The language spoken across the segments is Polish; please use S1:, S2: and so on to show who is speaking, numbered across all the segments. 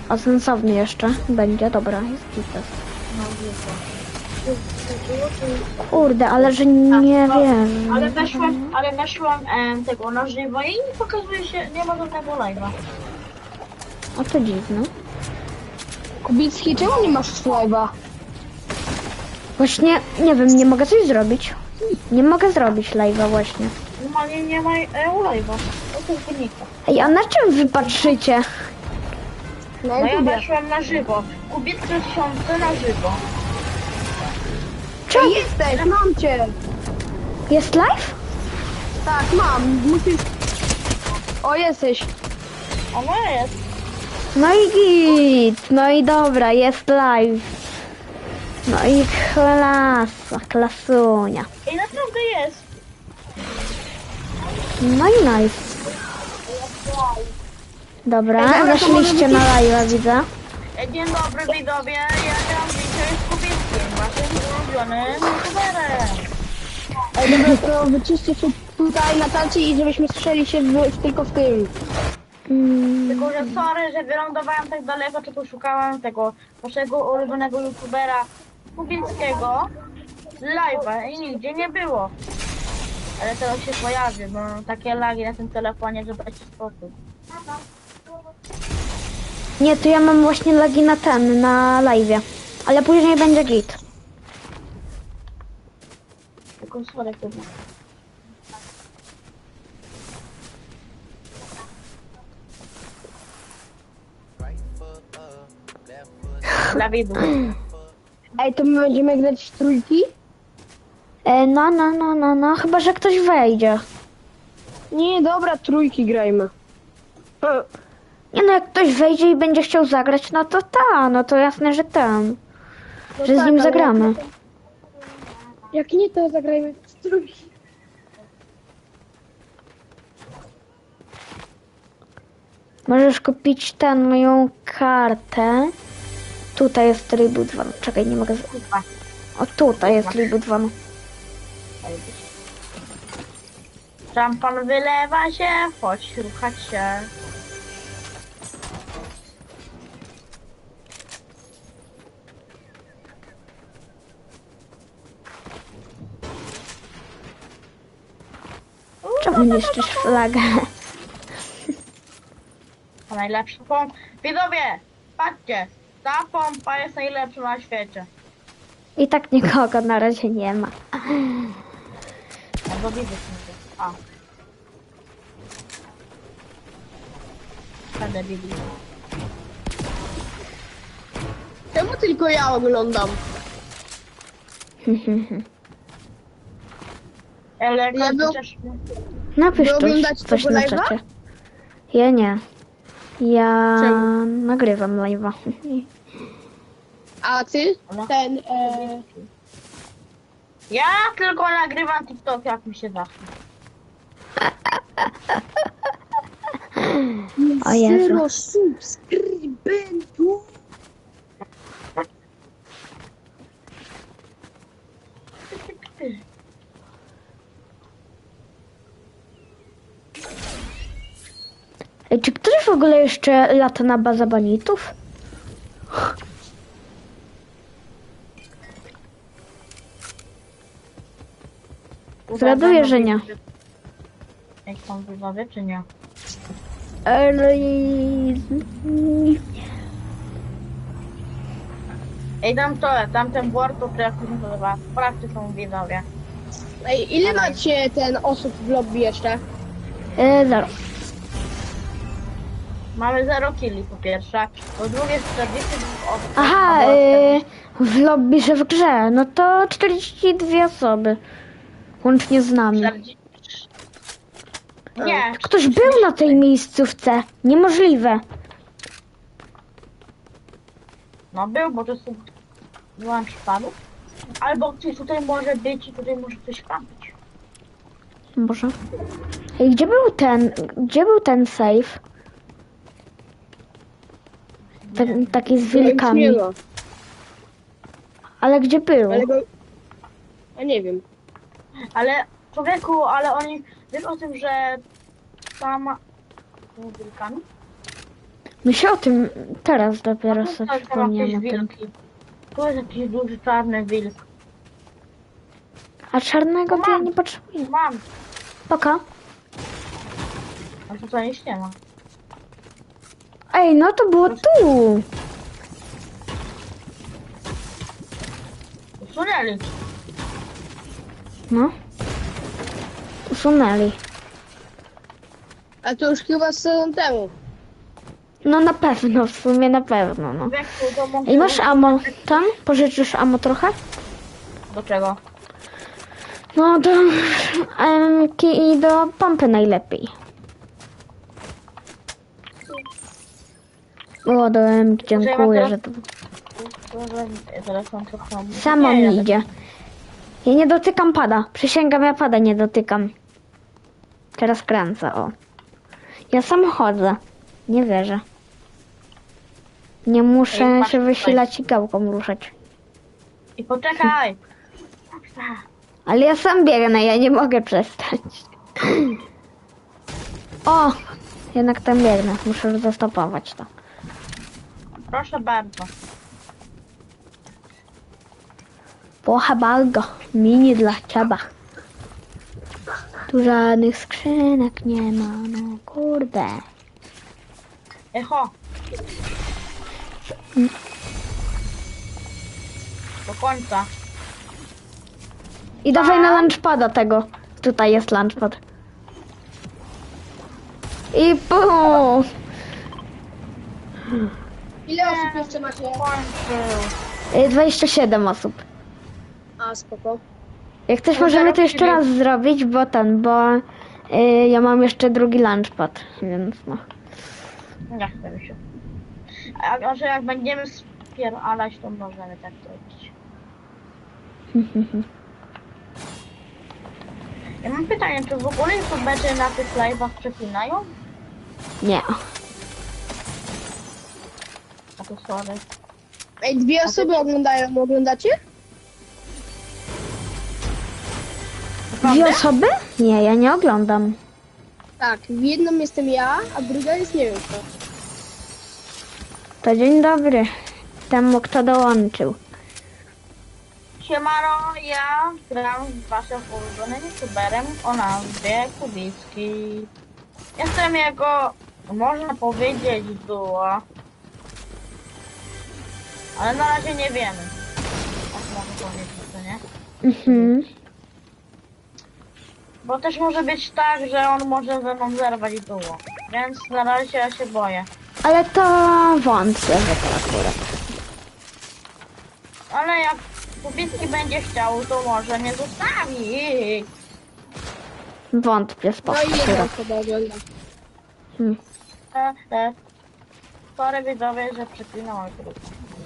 S1: A sensowny jeszcze będzie, dobra, jest gites.
S2: No widzę.
S1: Kurde, ale że nie wiem.
S2: Ale weszłam tego na żywo i pokazuje się, nie ma żadnego live'a.
S1: A to dziwne.
S3: Kubicki, czemu nie masz live'a?
S1: Właśnie, nie wiem, nie mogę coś zrobić. Nie mogę zrobić live'a właśnie.
S2: Normalnie nie ma live'a. To jest wynika.
S1: Ej, a na czym wy patrzycie?
S3: Na
S2: No ja
S3: YouTube.
S2: weszłam na żywo. Kubicki 1000 na żywo.
S1: Czemu?
S3: Jesteś, mam cię.
S1: Jest live?
S3: Tak, mam. Musisz... O, jesteś.
S2: Ono jest.
S1: No i git, no i dobra, jest live. No i klasa, klasunia.
S2: I naprawdę jest.
S1: No i nice. Dobra,
S3: Ej, dobra, to
S1: zaszliście
S3: może
S1: na live'a, widzę.
S2: Dzień dobry widzowie, ja gram dzisiaj z Kubickim, waszym ulubionym youtuberem.
S3: Ej, dobra, to wyczyście się tutaj na tacie i żebyśmy słyszeli się tylko w tym.
S2: Tylko, że sorry, że wylądowałem tak daleko, czy poszukałem tego waszego ulubionego youtubera Kubickiego z live'a i nigdzie nie było. Ale teraz się pojawi, bo takie lagi na tym telefonie, że dajcie spokój.
S1: Nie, to ja mam właśnie lagi na live'ie. Ale później będzie git.
S2: Tylko sorry, chyba. Dla widzów.
S3: Ej, to my będziemy grać w trójki?
S1: No, chyba że ktoś wejdzie.
S3: Nie, dobra, trójki grajmy.
S1: Nie no, jak ktoś wejdzie i będzie chciał zagrać, no to no to jasne, że tam.
S3: No
S1: Że z
S3: tak,
S1: nim
S3: ale
S1: zagramy.
S3: Jak nie, to zagrajmy w trójki.
S1: Możesz kupić moją kartę. Tutaj jest Reboot 2. Czekaj, nie mogę...
S2: Kurwa.
S1: O, tutaj jest Reboot 2.
S2: Szampan wylewa się, chodź ruchać się.
S1: Czemu niszczysz flagę?
S2: To najlepsza pompa. Widzowie, patrzcie, ta pompa jest najlepsza na świecie.
S1: I tak nikogo na razie nie ma.
S2: Albo widzę się. A. Będę widzieć.
S3: Czemu tylko ja oglądam?
S2: Ale jak
S3: Ja był-
S2: chociaż...
S1: Napisz
S3: Wy oglądacie
S1: coś
S3: tego
S1: na
S3: live'a?
S1: czacie. Ja nie. Ja
S3: Czemu?
S1: nagrywam live'a.
S3: A ty? Ten,
S2: Ja tylko nagrywam TikTok, jak mi się zachce.
S1: O Jezu.
S3: Zero subskrybentów.
S1: Ej, czy ktoś w ogóle jeszcze lata na bazę banitów? Zgaduję, że nie.
S2: Jak są widzowie, czy nie? Ej, tam ten board, to jak to się nazywa? Sprawdźcie, są widzowie.
S3: Ej, ile macie ten osób w lobby jeszcze?
S1: Zero.
S2: Mamy 0 killi po pierwsze, po drugie 42 osób.
S1: Aha,
S2: albo 40.
S1: w lobby, że w grze. No to 42 osoby. Łącznie z nami.
S2: 40. Nie,
S1: Ktoś był na tej miejscówce. Niemożliwe.
S2: no był, bo to są wyłącz padów. Albo ktoś tutaj może być i tutaj może coś kampić.
S1: Może. Ej, gdzie był ten safe? Taki z wilkami.
S3: Nie ma.
S1: Ale gdzie był?
S3: Ale go... A nie wiem.
S2: Ale człowieku, ale oni, wiesz o tym, że tam... Z wilkami?
S1: My się o tym teraz dopiero
S2: Tu
S1: sobie
S2: są jakieś
S1: przypomniałem o tym.
S2: wilki. Tu jest jakiś duży czarny wilk.
S1: A czarnego to ja
S2: Mam.
S1: nie potrzebuję.
S2: Mam.
S1: Poka.
S2: A tu to nic nie ma.
S1: Ej, no to było tu.
S2: Usunęli.
S1: No. Usunęli.
S3: A to już chyba sezon temu.
S1: No na pewno, w sumie na pewno, no.
S2: Wieku, to mogę...
S1: I masz ammo tam? Pożyczysz ammo trochę?
S2: Do czego?
S1: No do MK i do pompy najlepiej. O, do MK, dziękuję, że to
S2: Telefon trochę...
S1: samo
S2: Nie,
S1: mi idzie. Ja nie dotykam pada. Przysięgam, ja pada nie dotykam. Teraz kręcę, o. Ja sam chodzę. Nie wierzę. Nie muszę
S2: Ej, masz
S1: się
S2: tutaj.
S1: wysilać i gałką ruszać.
S2: I poczekaj!
S1: Ale ja sam biegnę, ja nie mogę przestać. O! Jednak tam biegnę. Muszę zastopować to.
S2: Proszę bardzo.
S1: Proszę bardzo. Mini dla ciebie. Tu żadnych skrzynek nie ma, no kurde.
S2: Echo! Do końca.
S1: I dawaj na lunchpada tego. Tutaj jest lunchpad. I pum!
S3: Ile osób jeszcze macie?
S2: Kończył.
S1: 27 osób.
S3: A, spoko.
S1: Jak chcesz,
S2: No,
S1: możemy to
S2: zaraz
S1: jeszcze
S2: ciebie-
S1: raz zrobić, bo ja mam jeszcze drugi lunchpad, więc no.
S2: Nie chcę mi się. A że jak będziemy spieralać, to możemy tak zrobić. Ja mam pytanie, czy w ogóle youtuberzy na tych live'ach przeklinają?
S1: Nie.
S2: A to sorry.
S3: Ej, dwie osoby oglądają, oglądacie?
S1: Dwie osoby? Nie, ja nie oglądam.
S3: Tak, w jedną jestem ja, a druga jest nie wiem kto.
S1: To dzień dobry temu, kto dołączył.
S2: Siemano, ja gram z waszym ulubionym youtuberem o nazwie Kubicki. Jestem jego, można powiedzieć, duo. Ale na razie nie wiemy. Tak mogę powiedzieć, co nie?
S1: Mhm.
S2: Bo też może być tak, że on może ze mną zerwać duo. Więc na razie ja się boję.
S1: Ale to wątpię, że to akurat.
S2: Ale jak Kubicki będzie chciał, to może mnie zostawi.
S1: Wątpię,
S3: No
S1: spoko.
S3: i jedna
S1: Akurat.
S3: osoba ogląda.
S2: Sorry widzowie, że przeklinam grupę.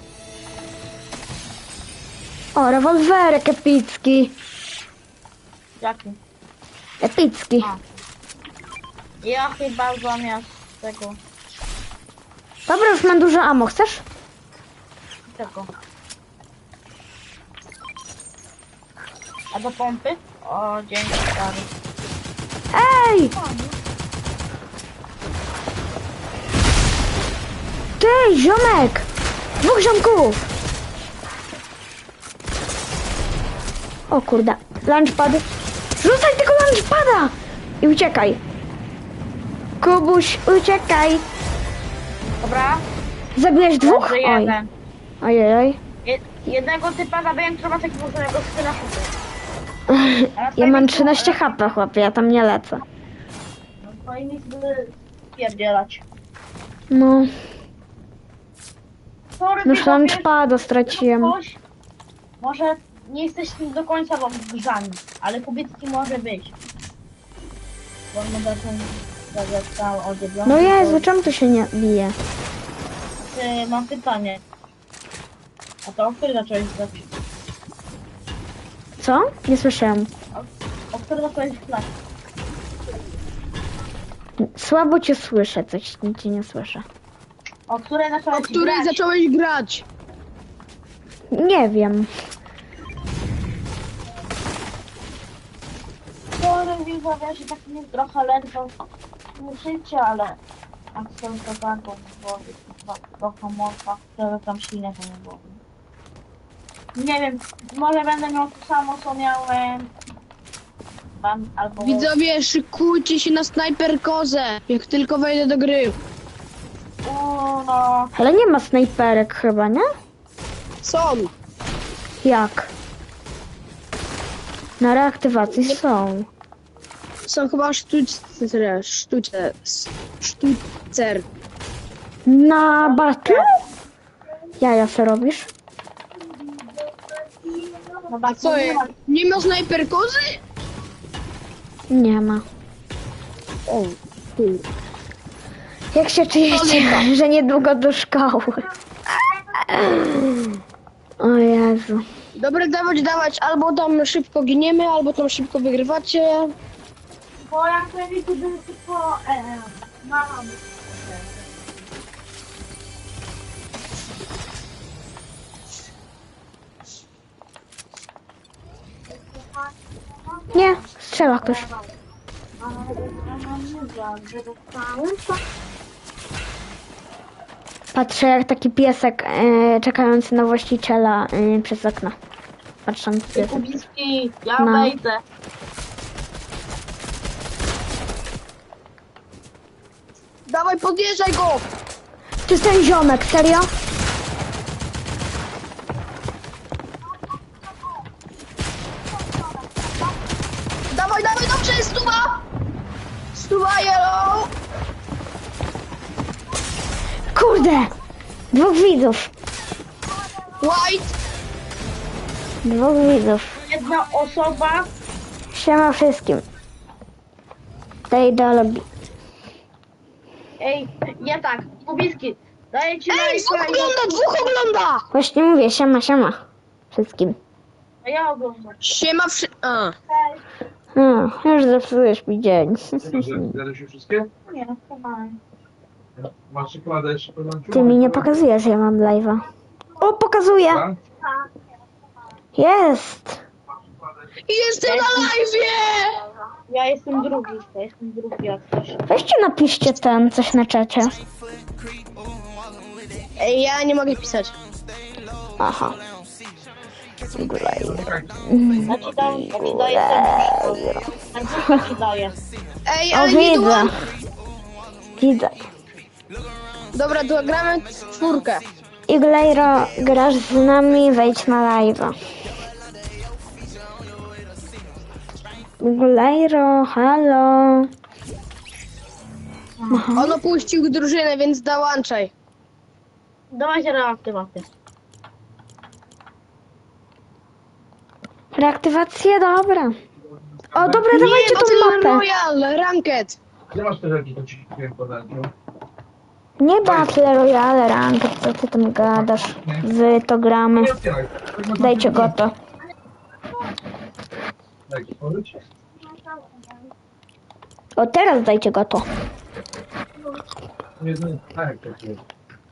S1: O, rewolwerek epicki.
S2: Jaki?
S1: Epicki.
S2: A. Ja chyba zamiast tego,
S1: Dobra, już mam dużo ammo. Chcesz?
S2: tego. A do pompy? O, dzięki stary.
S1: Ej! Ty, ziomek! Dwóch ziomków! O kurde, lunchpad. Rzucaj tego lunchpada! I uciekaj. Kubuś, uciekaj.
S2: Dobra?
S1: Zabiłeś dwóch?
S2: Dobrze,
S1: Oj.
S2: jeden.
S1: Ojej.
S2: Jednego typa zabiłem, który ma takiego samego skyna
S1: Ja mam 13 HP, chłopie, ja tam nie lecę.
S2: No to i nic by spierdzielać.
S1: No,
S2: Sorry,
S1: już
S2: widzowie,
S1: lunchpada straciłem.
S2: ktoś, może nie jesteście do końca rozgrzani, ale Kubicki może być. Bo on ma taką zagadkę o dziewiątej.
S1: No Jezu, czemu tu się nie bije?
S2: Mam pytanie. A to o który zacząłeś grać?
S1: Co? Nie słyszałem.
S2: O który zacząłeś grać?
S1: Słabo cię słyszę, coś cię nie słyszę.
S2: O której zacząłeś
S3: O której
S2: grać?
S3: zacząłeś grać?
S1: Nie wiem.
S2: Sorry, widzowie, że tak mi trochę ledwo słyszycie, ale A są to taką wody, do komórka, żeby tam ślinę to nie było. Nie wiem, może będę miał to samo, co miałem. Albo...
S3: Widzowie, szykujcie się na snajperkozę, jak tylko wejdę do gry.
S2: No.
S1: Ale nie ma snajperek chyba, nie?
S3: Są.
S1: Jak? Na reaktywacji są.
S3: Są chyba sztucer.
S1: Na battle? Jaja se robisz?
S2: No
S3: A co jest? Nie ma snajperkozy?
S1: Nie ma.
S3: O, kur.
S1: Jak się czujecie, że niedługo do szkoły? O Jezu.
S3: Dobra, dawać, albo tam szybko giniemy, albo tam szybko wygrywacie.
S2: Bo jak będzie to będzie tylko... mam.
S1: Nie, strzela ktoś. Patrzę jak taki piesek czekający na właściciela przez okno. Patrząc piesek.
S2: Kubiński, ja
S1: No.
S2: wejdę.
S3: Dawaj, podjeżdżaj go!
S1: To jest ten ziomek, serio?
S3: Dawaj, dobrze, stuwa! Stuwa, yellow!
S1: Kurde! Dwóch widzów.
S3: White!
S1: Dwóch widzów.
S2: Jedna osoba.
S1: Siema wszystkim. Tej ideologii.
S2: Ej, ja tak, Kubiński, daję ci
S3: Ej, dwóch ogląda!
S1: Właśnie mówię, siema, siema. Wszystkim.
S2: A ja oglądam.
S3: Siema A.
S1: Już zepsujesz mi dzień.
S4: Zjadłeś już wszystkie?
S2: Nie, no spokojnie.
S4: Masz czekoladę jeszcze po lunchu?
S1: Ty mi nie pokazujesz, że ja mam live'a. O, pokazuję!
S4: Tak?
S1: Jest!
S3: Jestem na live'ie!
S2: Ja jestem drugi jak coś.
S1: Weźcie napiszcie coś na czacie.
S3: Ej, ja nie mogę pisać.
S1: Aha.
S2: Ja ci daję ten ci daję.
S3: Ej,
S1: O,
S3: ale nie
S1: widzę.
S3: dołam.
S1: Widzę.
S3: Dobra, to gramy w czwórkę.
S1: Iglejro, grasz z nami, wejdź na live'a. Iglejro, halo.
S3: On opuścił drużynę, więc dołączaj.
S2: Dawajcie reaktywację.
S1: Reaktywację, dobra. O, dobra,
S3: Nie,
S1: dawajcie tą
S3: Battle
S1: mapę.
S3: Royale, Ranked.
S4: Gdzie masz te rzeczy, to ci kupiłem podać, no?
S1: Nie Battle Royale, Ranked, co ty tam gadasz? Wy to gramy.
S4: Nie otwieraj.
S1: Dajcie go to.
S4: Daj, otworzyć.
S1: O, teraz dajcie go to.
S4: Nie, tak, tak jest.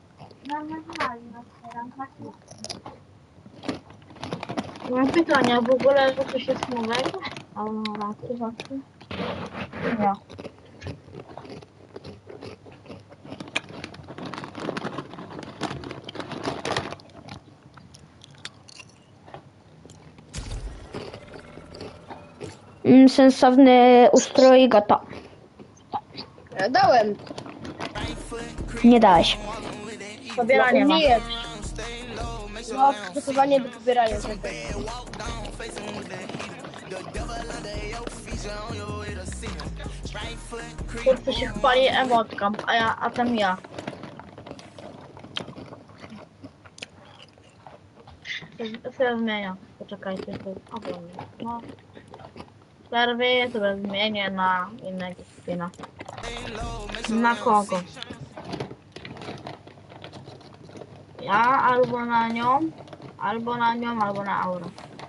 S2: Mam pytania, w ogóle że coś jest nowego? A no, reaktywacji? Nie.
S1: Sensowny ustrój, goto.
S3: Ja dałem.
S1: Nie dałeś.
S2: Pobieranie ma.
S3: Nie. No, przygotowanie do pobierania.
S2: Kurczę się chwali emotką, a tam ja. Sobie zmieniam. Poczekajcie, to oglądam. No. Serwy sobie zmienię na innego skina. Na kogo? Ja albo na nią, albo na Aurę.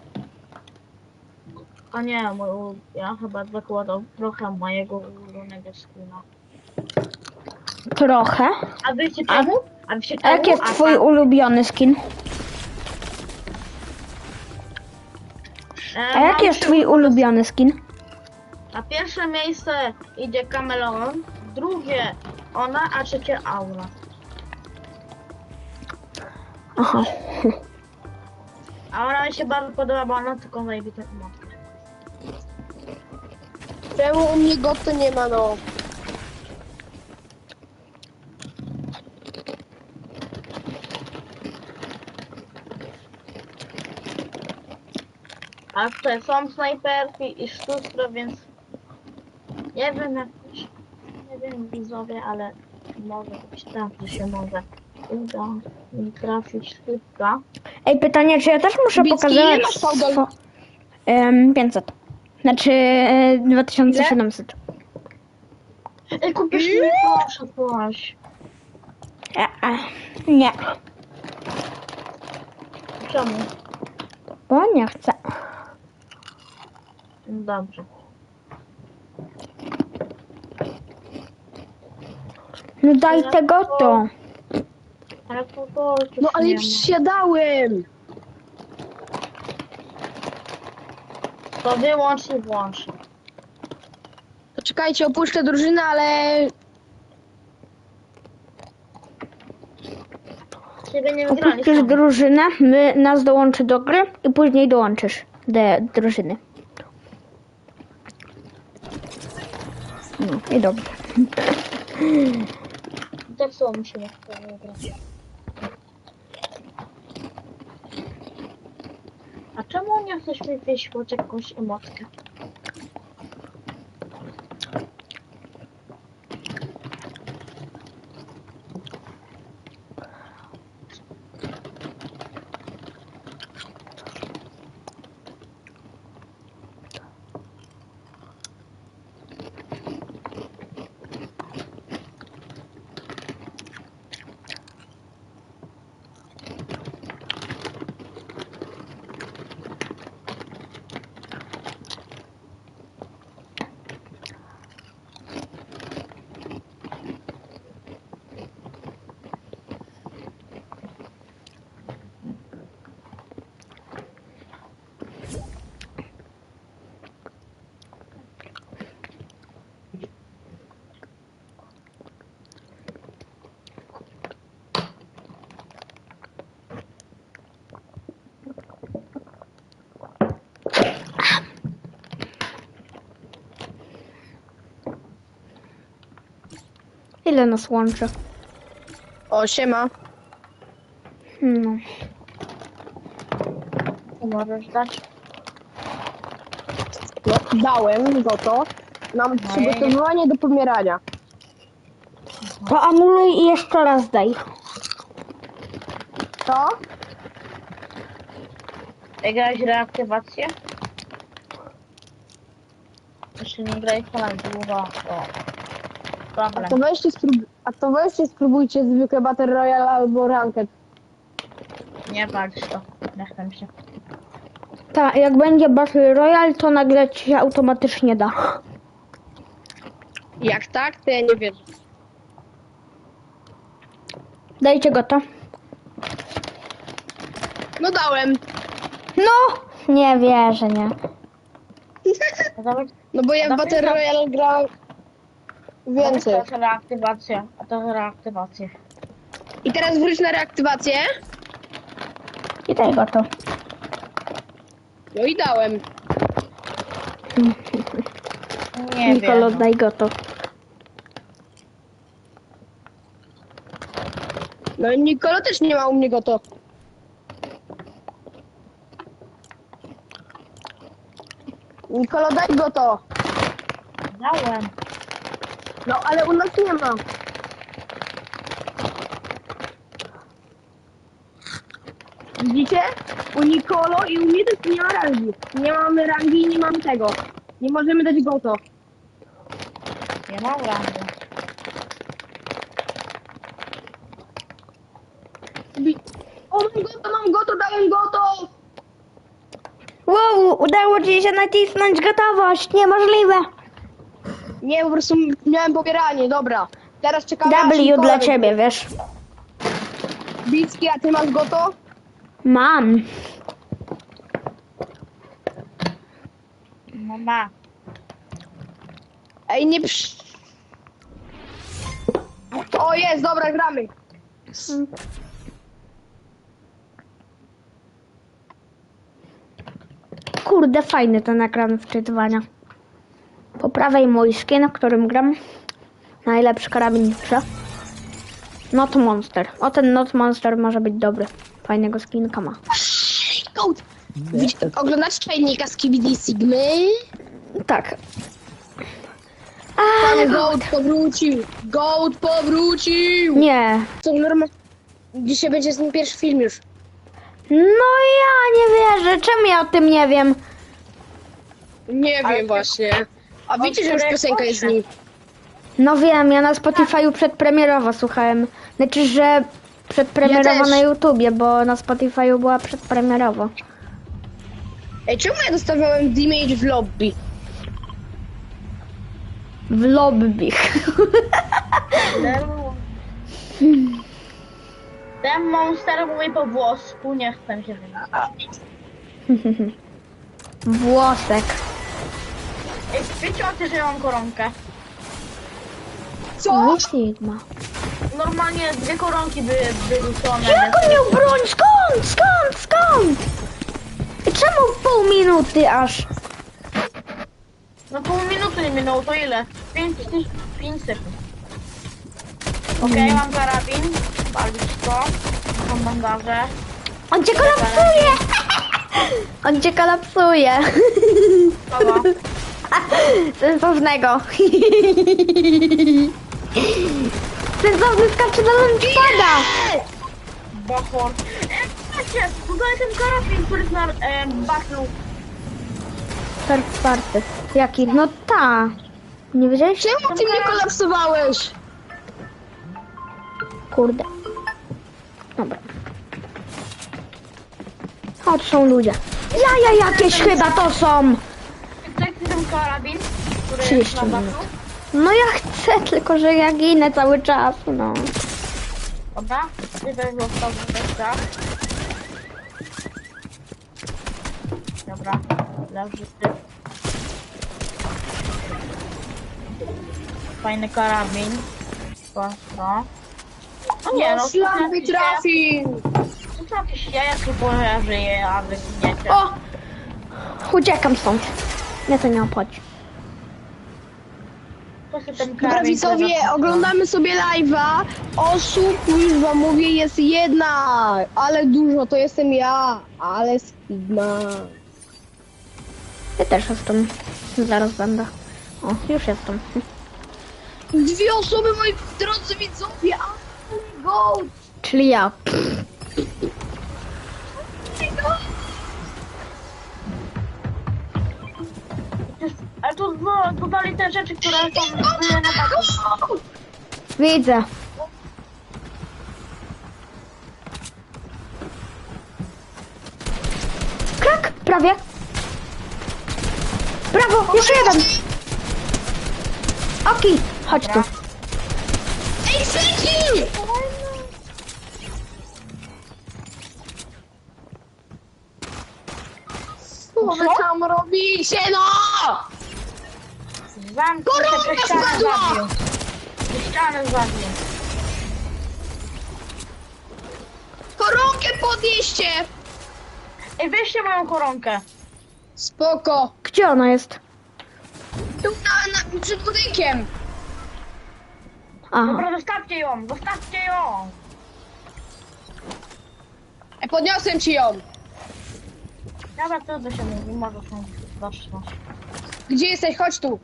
S2: A nie, ja chyba zakładam trochę mojego ulubionego skina.
S1: Trochę.
S2: A wiecie czemu? A wiecie
S1: A jaki jest twój ulubiony skin? A jaki jest twój ulubiony skin?
S2: Na pierwsze miejsce idzie Camelon Drugie ona, a trzecie Aura.
S1: Aha.
S2: Aura mi się bardzo podoba, bo ona tylko zajebitą emotkę.
S3: Czemu u mnie goto nie ma, no?
S2: A tutaj są snajperki i sztustra, więc nie wiem jak nie wiem widzowie, ale może być tak, że się może uda mi trafić sztuka.
S1: Ej, pytanie, czy ja też muszę
S3: Bicki,
S1: pokazywać...
S3: ile masz fałdol?
S1: 500. Znaczy 2700.
S2: Ej, kupisz mi proszę, proszę.
S1: Nie,
S2: Czemu?
S1: bo nie chcę.
S2: Dobrze.
S1: No daj tego to.
S2: Ale to
S3: No ale
S2: nie
S3: ja wsiadałem!
S2: ma. To wyłącz i włącz.
S3: To czekajcie, opuszczę drużynę, ale...
S2: Ciebie nie
S1: Opuścisz
S2: wygraliśmy.
S1: drużynę, nas dołączy do gry i później dołączysz do drużyny. No i dobrze.
S2: Tak samo musimy to wygrać. A czemu nie chcesz mi wyświeć jakąś emotkę?
S1: Ile nas łączy?
S3: O, siema.
S1: No.
S2: To możesz dać?
S3: No, dałem goto. Mam przygotowywanie do pomierania.
S1: To anuluj i jeszcze raz daj.
S3: To?
S2: Grałeś reaktywację? Jeszcze nie grałeś ponad długo. O. Problem.
S3: A to weźcie spróbujcie zwykłe Battle Royale albo Ranked.
S2: Nie patrz to. Nie chcę mi się.
S1: Tak, jak będzie Battle Royale, to nagle ci się automatycznie da.
S3: Jak tak, to ja nie wierzę.
S1: Dajcie go to.
S3: No dałem.
S1: No! Nie wierzę, nie.
S3: No bo ja w Battle Royale grałem więcej.
S2: To jest reaktywacja. A to jest reaktywacja.
S3: I teraz wróć na reaktywację.
S1: I daj go to.
S3: No i dałem.
S2: Nie
S1: Nikolo,
S2: wiem.
S1: daj go to.
S3: No i Nikolo też nie ma u mnie goto. Nikolo, daj goto.
S2: Dałem.
S3: No ale u nas nie ma. Widzicie? U Nikolo i u mnie też nie ma rangi. Nie mamy rangi i nie mamy tego. Nie możemy dać goto.
S2: Nie mam rangi.
S3: O, mam goto, dałem goto!
S1: Wow, udało ci się nacisnąć gotowość. Niemożliwe.
S3: Nie, po prostu miałem pobieranie, dobra. Teraz czekamy aż
S1: W
S3: Nikola
S1: dla
S3: wyjdzie.
S1: ciebie, wiesz.
S3: Bicki, a ty masz goto?
S1: Mam.
S2: No ma.
S3: Ej, nie O, jest, dobra, gramy.
S1: Kurde, fajny ten ekran wczytywania. Po prawej mój skin, w którym gram. Najlepszy karabin w grze. Not Monster. O, ten Not Monster może być dobry. Fajnego skinka ma.
S3: Goat. Oglądacie czajnika z KBD Sigmy?
S1: Tak.
S3: Pan Goat powrócił. Goat powrócił.
S1: Nie.
S3: To normalnie. Dzisiaj będzie z nim pierwszy film już.
S1: No ja nie wierzę. Czemu ja o tym nie wiem?
S3: Nie wiem właśnie. A wiecie, że już piosenka jest z nim.
S1: No wiem, ja na Spotify'u przedpremierowo słuchałem. Znaczy, że przedpremierowo
S3: Ja też.
S1: na YouTubie, bo na Spotify'u była przedpremierowo.
S3: Ej, czemu ja dostawałem damage w lobby?
S1: W lobby.
S2: Ten monster mówi po włosku, nie chcę się wyjść.
S1: Włosek.
S2: Ej, wiecie o tym, że ja mam koronkę?
S3: Co?
S1: Nie Sigma.
S2: Normalnie 2 koronki były wyrzucone.
S1: Jak on miał broń? Skąd? I czemu pół minuty aż?
S2: No pół minuty nie minęło, to ile? 5 sekund. Okej, mam karabin. Baliczko. Mam bandaże.
S1: On cię kolapsuje! On cię kolapsuje.
S2: Kogo?
S1: Sensownego. Sensowny skacze do launchpada.
S2: Bohor. Patrzcie, tutaj ten karabin, który jest na backlu.
S1: Third party. Jaki? No ta. Nie wiedziałeś?
S3: Czemu ty mnie kolapsowałeś?
S1: Kurde. Dobra. O, to są ludzie. Jaja jakieś chyba to są.
S2: Chcecie ten karabin, który
S1: 30
S2: jest na
S1: minut.
S2: backlu?
S1: No ja chcę, tylko że ja ginę cały czas, no.
S2: Dobra, ty też został tak. Dobra, leży ty. Fajny karabin. Prosto. No nie, no
S3: Szlak trafił.
S2: to jakieś jaja, bo ja żyję, a wy giniecie.
S1: O! Uciekam stąd. Mnie to nie obchodzi.
S2: To się ten
S3: Dobra
S2: karabin
S3: widzowie,
S2: zaznaczył.
S3: oglądamy sobie live'a. Osób, już wam mówię, jest jedna. Ale dużo, to jestem ja. Ale Sigma.
S1: Ja też jestem. Zaraz będę. O, już jestem.
S3: 2 osoby, moi drodzy widzowie. Ale Goat.
S1: Czyli ja.
S2: Ale tu dodali te rzeczy, które są były na taką.
S1: Widzę. Krak! Prawie. Brawo! Jeszcze jeden! Oki! Chodź tu.
S3: Ej, Seki! Co wy tam robicie, no?
S2: Zamknij
S3: Koronka
S2: się, ścianę
S3: spadła!
S2: zabił. Ścianę zabił.
S3: Koronkę podnieście!
S2: Ej, weźcie moją koronkę.
S3: Spoko.
S1: Gdzie ona jest?
S3: Tu przed budynkiem.
S1: Aha.
S2: Dobra, zostawcie ją, zostawcie ją.
S3: Podniosłem ci ją.
S2: Dobra, trudno się mówi, może są zaczną.
S3: Gdzie jesteś? Chodź tu.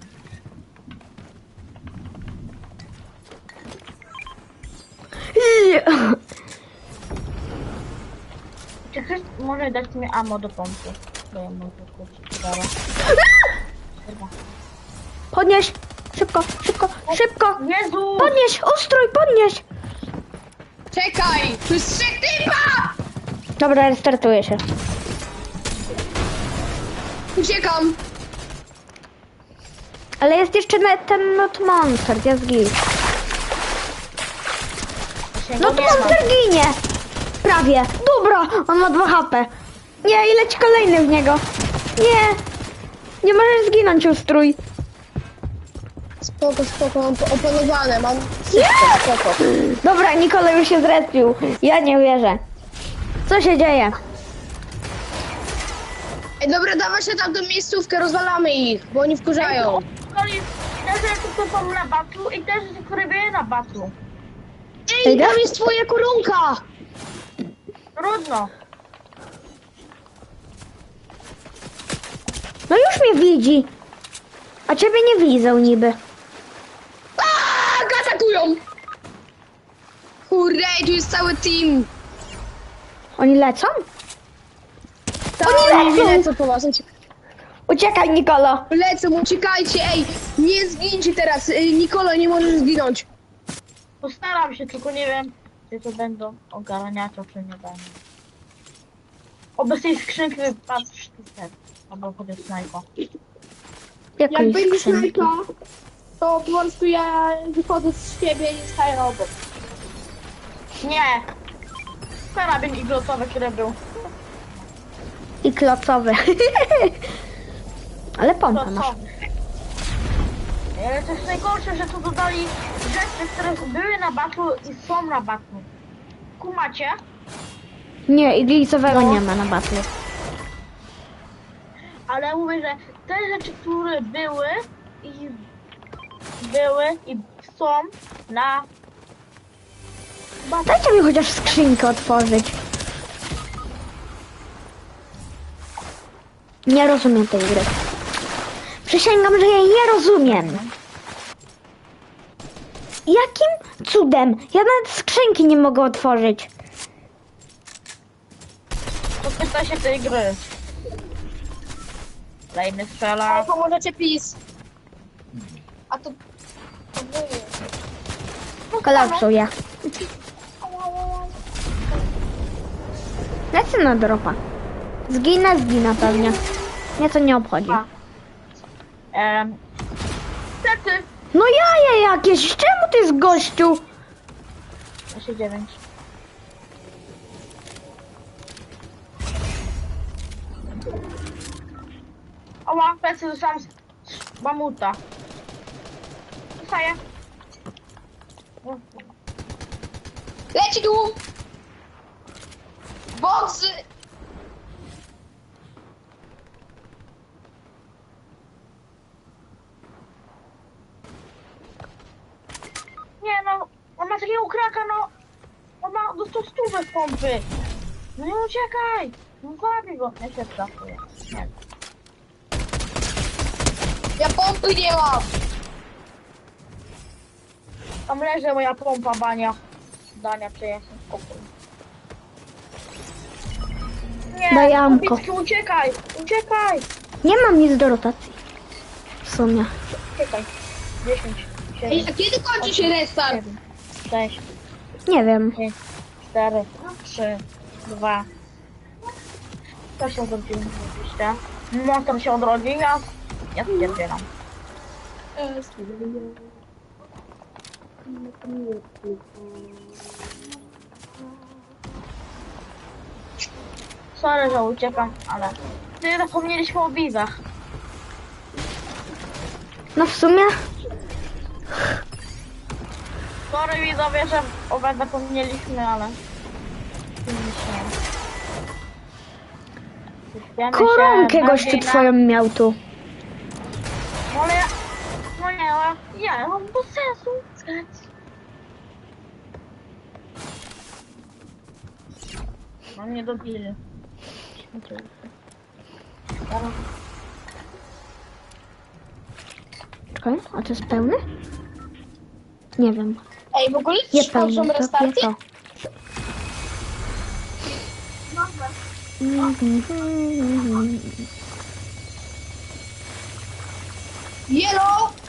S2: Czy ktoś może dać mi ammo do pompy? Bo ja mam to kurczę, dobra.
S1: Podnieś! Szybko, szybko, szybko!
S2: Jezu!
S1: Podnieś! Ustrój, podnieś!
S3: Czekaj! Tu jest 3 typa!
S1: Dobra, restartuję się.
S3: Uciekam.
S1: Ale jest jeszcze ten Not Monster, jest git. Not Monster ginie! Prawie. Dobra, on ma 2 HP. Nie, i leci kolejny w niego. Nie! Nie możesz zginąć, ustrój.
S3: Spoko, mam opanowane, mam wszystko, spoko.
S1: Dobra, Nikola już się zrespił. Ja nie wierzę. Co się dzieje?
S3: Ej, dobra, dawaj się tam do miejscówkę, rozwalamy ich, bo oni wkurzają.
S2: Koli, też rzeczy, które są na batlu i też rzeczy, które były na batlu.
S3: Ej, tam jest twoja korunka!
S2: Trudno.
S1: No już mnie widzi. A ciebie nie widzą niby.
S3: Aaa, atakują! Hurray, tu jest cały team!
S1: Oni lecą?
S3: Oni
S1: lecą!
S3: lecą po was,
S1: Uciekaj, Nikolo.
S3: lecą, uciekajcie, ej! Nie zgincie teraz, Nikolo, nie możesz zginąć.
S2: Postaram się, tylko nie wiem, czy to będą ogarniacze, czy nie będą. Oby z tej skrzynki wypadł sztucer. Albo chociaż snajpa.
S3: Jak
S1: Jakiej
S3: będzie
S1: skrzynki?
S3: snajpa, to po prostu ja wychodzę z siebie i staję obok.
S2: Nie! Karabin iglotowy, który był.
S1: I klocowy. Ale pompa masz.
S2: Iglotowy. Ale to jest najgorsze, że tu dodali rzeczy, które były na batlu i są na batlu. Kumacie?
S1: Nie, iglicowego
S2: No.
S1: nie ma na batlu.
S2: Ale mówię, że te rzeczy, które były i są na batlu.
S1: Dajcie mi chociaż skrzynkę otworzyć. Nie rozumiem tej gry. Przysięgam, że jej nie rozumiem. Jakim cudem? Ja nawet skrzynki nie mogę otworzyć.
S2: Podpyta się tej gry. Kolejny strzela.
S3: Pomożecie PiS. A to...
S1: Kolapsuję. Lecę na dropa. Zginę pewnie. Mnie to nie obchodzi.
S2: A. Niestety.
S1: No jaje jakieś, czemu ty jest gościu?
S2: 9. Oła, plecy dostałam z mamuta. Dostaję.
S3: Leci tu! Boksy!
S2: Nie no, on ma takiego kraka, no. On ma dostał stówę z pompy. No nie uciekaj. No zabij go. Ja się trafuję. Nie.
S3: Ja pompy nie mam!
S2: Tam leży moja pompa, bania. Dania, przyjaciół, spokój. Nie,
S1: Daj amko.
S2: Kubicki, uciekaj! Uciekaj!
S1: Nie mam nic do rotacji. W sumie.
S2: Uciekaj. 10,
S3: Ej,
S2: 7,
S3: a kiedy kończy się restart?
S2: 7, 6,
S1: Nie wiem.
S2: 5, 4, 3, 2. To się odrodziło oczywiście. Motor się odrodził, ja stwierdzielam. Sorry, że uciekam, ale... Ty zapomnieliśmy o widzach.
S1: No w sumie
S2: Sorry widzowie, że o was zapomnieliśmy, ale... Wiemy
S1: koronkę
S2: się
S1: gościu
S2: bardziej na-
S1: twoją miał tu.
S2: No ale ja... No nie, no ja mam bez sensu. No nie dobili.
S1: Czekaj, a to jest pełny? Nie wiem.
S3: Ej, w ogóle
S1: Nie
S3: ci kończą
S1: pełny, to
S3: restarty?
S1: to.
S3: Yellow!